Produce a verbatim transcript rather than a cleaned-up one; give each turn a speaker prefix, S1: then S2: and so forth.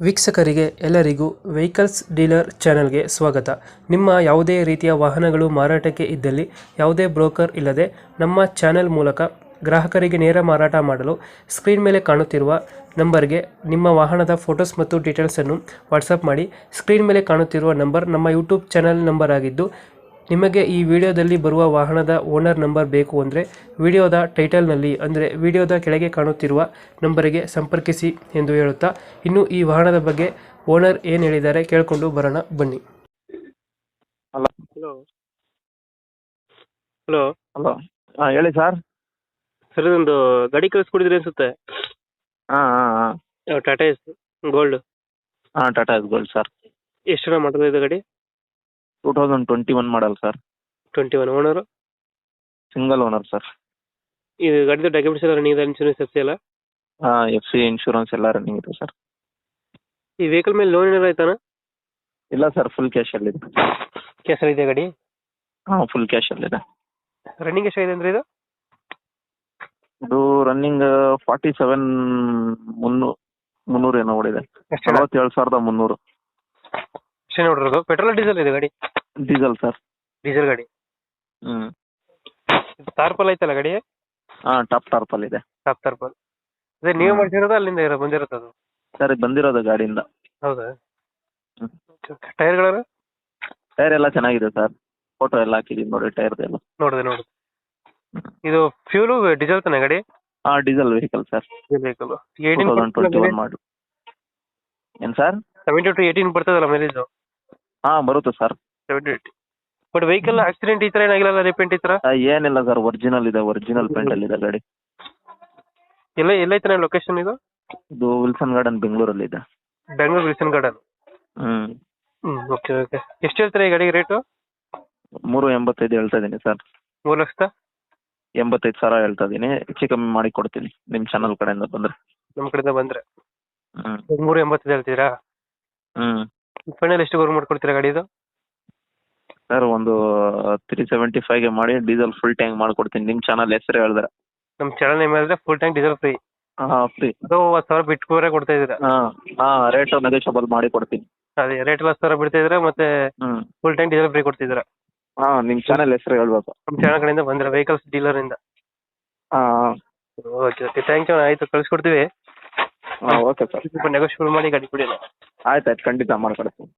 S1: ವೀಕ್ಷಕರಿಗೆ ಎಲ್ಲರಿಗೂ vehicles dealer ಚಾನೆಲ್ಗೆ ಸ್ವಾಗತ. ನಿಮ್ಮ ಯಾವುದೇ ರೀತಿಯ ವಾಹನಗಳು ಮಾರಾಟಕ್ಕೆ ಇದ್ದಲ್ಲಿ ಯಾವುದೇ ಬ್ರೋಕರ್ ಇಲ್ಲದೆ ನಮ್ಮ ಚಾನೆಲ್ ಮೂಲಕ ಗ್ರಾಹಕರಿಗೆ ನೇರ ಮಾರಾಟ ಮಾಡಲು ಸ್ಕ್ರೀನ್ ಮೇಲೆ ಕಾಣುತ್ತಿರುವ ನಂಬರ್ಗೆ ನಿಮ್ಮ ವಾಹನದ ಫೋಟೋಸ್ ಮತ್ತು ಡೀಟೇಲ್ಸನ್ನು ವಾಟ್ಸಪ್ ಮಾಡಿ. ಸ್ಕ್ರೀನ್ ಮೇಲೆ ಕಾಣುತ್ತಿರುವ ನಂಬರ್ ನಮ್ಮ ಯೂಟ್ಯೂಬ್ ಚಾನೆಲ್ ನಂಬರ್ ಆಗಿದ್ದು, ನಿಮಗೆ ಈ ವಿಡಿಯೋದಲ್ಲಿ ಬರುವ ವಾಹನದ ಓನರ್ ನಂಬರ್ ಬೇಕು ಅಂದರೆ ವಿಡಿಯೋದ ಟೈಟಲ್ನಲ್ಲಿ ಅಂದರೆ ವಿಡಿಯೋದ ಕೆಳಗೆ ಕಾಣುತ್ತಿರುವ ನಂಬರಿಗೆ ಸಂಪರ್ಕಿಸಿ ಎಂದು ಹೇಳುತ್ತಾ, ಇನ್ನು ಈ ವಾಹನದ ಬಗ್ಗೆ ಓನರ್ ಏನು ಹೇಳಿದ್ದಾರೆ ಕೇಳಿಕೊಂಡು ಬರೋಣ ಬನ್ನಿ.
S2: ಹಲೋ
S1: ಹಲೋ ಹಲೋ
S2: ಹಲೋ ಹಾಂ ಹೇಳಿ ಸರ್.
S1: ಸರ್, ಇದೊಂದು ಗಾಡಿ ಕಳಿಸ್ಕೊಡಿದ್ರಿ ಅನ್ಸುತ್ತೆ.
S2: ಹಾಂ ಹಾಂ ಹಾಂ
S1: ಟಾಟಾ ಎಸ್ ಗೋಲ್ಡ್.
S2: ಹಾಂ ಟಾಟಾ ಎಸ್ ಗೋಲ್ಡ್ ಸರ್.
S1: ಎಷ್ಟು ಜನ ಮಾಡಿದ್ರೆ ಇದು ಗಾಡಿ?
S2: Two thousand twenty one model sir.
S1: Twenty one owner.
S2: Single owner sir.
S1: ಇದು ಗಾಡಿದ ಡಾಕ್ಯುಮೆಂಟ್ಸ್ ಎಲ್ಲ ರನ್ನಿಂಗ್ ಇದೆ, ಇನ್ಶೂರೆನ್ಸ್ ಎಫ್ ಸಿ ಎಲ್ಲ?
S2: ಹಾಂ ಎಫ್ ಸಿ ಇನ್ಶೂರೆನ್ಸ್ ಎಲ್ಲ ರನ್ನಿಂಗ್ ಇದೆ ಸರ್.
S1: ಈ ವೆಹಿಕಲ್ ಮೇಲೆ ಲೋನ್ ಏನಾರು ಆಯ್ತಾನ?
S2: ಇಲ್ಲ ಸರ್, ಫುಲ್ ಕ್ಯಾಶಲ್ಲಿದೆ.
S1: ಕ್ಯಾಸಲ್ಲಿ ಇದೆ ಗಾಡಿ?
S2: ಹಾಂ ಫುಲ್ ಕ್ಯಾಶಲ್ಲಿದೆ.
S1: ರನ್ನಿಂಗ್ ಎಷ್ಟಾಗಿದೆ ಅಂದರೆ ಇದು?
S2: ಇದು ರನ್ನಿಂಗ್ ಫಾರ್ಟಿ ಸೆವೆನ್ ಮುನ್ನೂ ಮುನ್ನೂರು ಏನೋ ಓಡಿದೆ.
S1: ಅಷ್ಟೇ
S2: ನಲವತ್ತೇಳು ಸಾವಿರದ ಮುನ್ನೂರು.
S1: ಅಷ್ಟೇ ನೋಡಿರೋದು. ಪೆಟ್ರೋಲ್ ಡೀಸೆಲ್ ಇದೆ ಗಾಡಿ?
S2: Diesel sir.
S1: ಡೀಸೆಲ್ ಗಾಡಿ.
S2: ಹ್ಞೂ
S1: ತಾರ್ಪಲ್ ಐತಲ್ಲ ಗಾಡಿ?
S2: ಹಾಂ ಟಾಪ್ ಟಾರ್ಪಲ್ ಇದೆ.
S1: Top tarpaulin. ಅದೇ ನೀವು ಮಾಡಿಸಿರೋದು ಅಲ್ಲಿಂದ ಇರೋ ಬಂದಿರೋದು ಅದು?
S2: ಸರ್ ಇದು ಬಂದಿರೋದು ಗಾಡಿಯಿಂದ.
S1: ಹೌದಾ?
S2: ಹ್ಞೂ
S1: ಟೈರ್ಗಳು?
S2: ಟೈರ್ ಎಲ್ಲ ಚೆನ್ನಾಗಿದೆ ಸರ್. ಫೋಟೋ ಎಲ್ಲ ಹಾಕಿದ್ದೀನಿ ನೋಡಿ ಟೈರ್ದೆಲ್ಲ.
S1: ನೋಡಿದೆ ನೋಡಿದೆ. ಇದು ಫ್ಯೂಲು ಡೀಸೆಲ್ ತಾನೆ ಗಾಡಿ?
S2: ಹಾಂ diesel vehicle sir.
S1: Diesel vehicle.
S2: Two thousand twenty one ಮಾಡು. ಏನು ಸರ್?
S1: ಸೆವೆಂಟಿ ಟು ಏಯ್ಟೀನ್ ಬರ್ತದಲ್ಲ ಮೈಲೇಜು?
S2: ಹಾಂ ಬರುತ್ತೆ sir.
S1: Seventy eighty. But vehicle accident ಈ ಥರ ಏನಾಗಿಲ್ಲ, ರಿಪೇಂಟ್ ಈ ಥರ?
S2: ಆ, ಏನಿಲ್ಲ ಸರ್, ಒರಿಜಿನಲ್ ಇದೆ. ಒರಿಜಿನಲ್ ಪೇಂಟ್ ಅಲ್ಲಿ ಇದೆ ಗಾಡಿ.
S1: ಎಲ್ಲ ಎಲ್ಲೈತಾನೆ ಲೊಕೇಶನ್ ಇದು?
S2: ಇದು ವಿಲ್ಸನ್ ಗಾರ್ಡನ್ ಬೆಂಗಳೂರಲ್ಲಿ ಇದೆ.
S1: Bengaluru Wilson garden.
S2: ಹ್ಮ್
S1: ಹ್ಞೂ ಓಕೆ ಓಕೆ. ಎಷ್ಟು ಹೇಳ್ತಾರೆ ಈ ಗಾಡಿಗೆ ರೇಟು?
S2: ಮೂರು ಎಂಬತ್ತೈದು ಹೇಳ್ತಾ ಇದ್ದೀನಿ ಸರ್.
S1: ಮೂರು ಲಕ್ಷದ
S2: ಎಂಬತ್ತೈದು ಸಾವಿರ ಹೇಳ್ತಾ ಇದ್ದೀನಿ. ಹೆಚ್ಚು ಕಮ್ಮಿ ಮಾಡಿ ಕೊಡ್ತೀನಿ ನಿಮ್ಮ ಚಾನಲ್ ಕಡೆಯಿಂದ ಬಂದ್ರೆ.
S1: ನಮ್ಮ ಕಡೆಯಿಂದ ಬಂದರೆ
S2: ಹ್ಮ್
S1: ಮೂರು ಎಂಬತ್ತೈದು ಹೇಳ್ತೀರಾ?
S2: ಹ್ಮ್
S1: ಫೈನಲ್ ಎಷ್ಟು ಗೌರ್ ಮಾಡ್ಕೊಡ್ತೀರಾ ಗಾಡಿದು?
S2: ಸರ್ ಒಂದು ತ್ರೀ ಸೆವೆಂಟಿ ಫೈವ್ಗೆ ಮಾಡಿ ಡೀಸೆಲ್ ಫುಲ್ ಟ್ಯಾಂಕ್ ಮಾಡ್ಕೊಡ್ತೀನಿ ನಿಮ್ಮ ಚಾನಲ್ ಹೆಸರು ಹೇಳಿದ್ರೆ.
S1: ನಮ್ಮ ಚಾನಲ್ ನೇಮ್ ಹೇಳಿದ್ರೆ ಫುಲ್ ಟ್ಯಾಂಕ್ ಡೀಸೆಲ್ ಫ್ರೀ.
S2: ಹಾಂ ಫ್ರೀ.
S1: ಅದು ಹತ್ತು ಸಾವಿರ ಬಿಟ್ಕೋರೆ ಕೊಡ್ತಾ ಇದ್ದೀರಾ?
S2: ಹಾಂ ಹಾಂ ರೇಟ್ ನೆಗೋಷಿಯಬಲ್ ಮಾಡಿ ಕೊಡ್ತೀನಿ.
S1: ಅದೇ ರೇಟ್ ಎಲ್ಲ ಹತ್ತು ಸಾವಿರ ಬಿಡ್ತಾ ಇದ್ದೀರಾ, ಮತ್ತೆ
S2: ಹ್ಮ್
S1: ಫುಲ್ ಟ್ಯಾಂಕ್ ಡೀಸೆಲ್ ಫ್ರೀ ಕೊಡ್ತಿದ್ದೀರಾ?
S2: ಹಾಂ ನಿಮ್ಮ ಚಾನಲ್ ಹೆಸರು ಹೇಳ್ಬೇಕು.
S1: ನಮ್ಮ ಚಾನಲ್ ಕಡೆಯಿಂದ ಬಂದ್ರೆ ವೆಹಿಕಲ್ಸ್ ಡೀಲರಿಂದ.
S2: ಹಾಂ ಹಾಂ
S1: ಓಕೆ ಓಕೆ ಥ್ಯಾಂಕ್ ಯು. ಆಯಿತು, ಕಳಿಸ್ಕೊಡ್ತೀವಿ.
S2: ಹಾಂ ಓಕೆ ಸರ್.
S1: ಸ್ವಲ್ಪ ನೆಗೋಷಿಯಬಲ್ ಮಾಡಿ ಗಾಡಿ ಕೊಡಿ.
S2: ಆಯ್ತು ಆಯ್ತು ಖಂಡಿತ ಮಾಡ್ಕೊಡ್ತೀನಿ.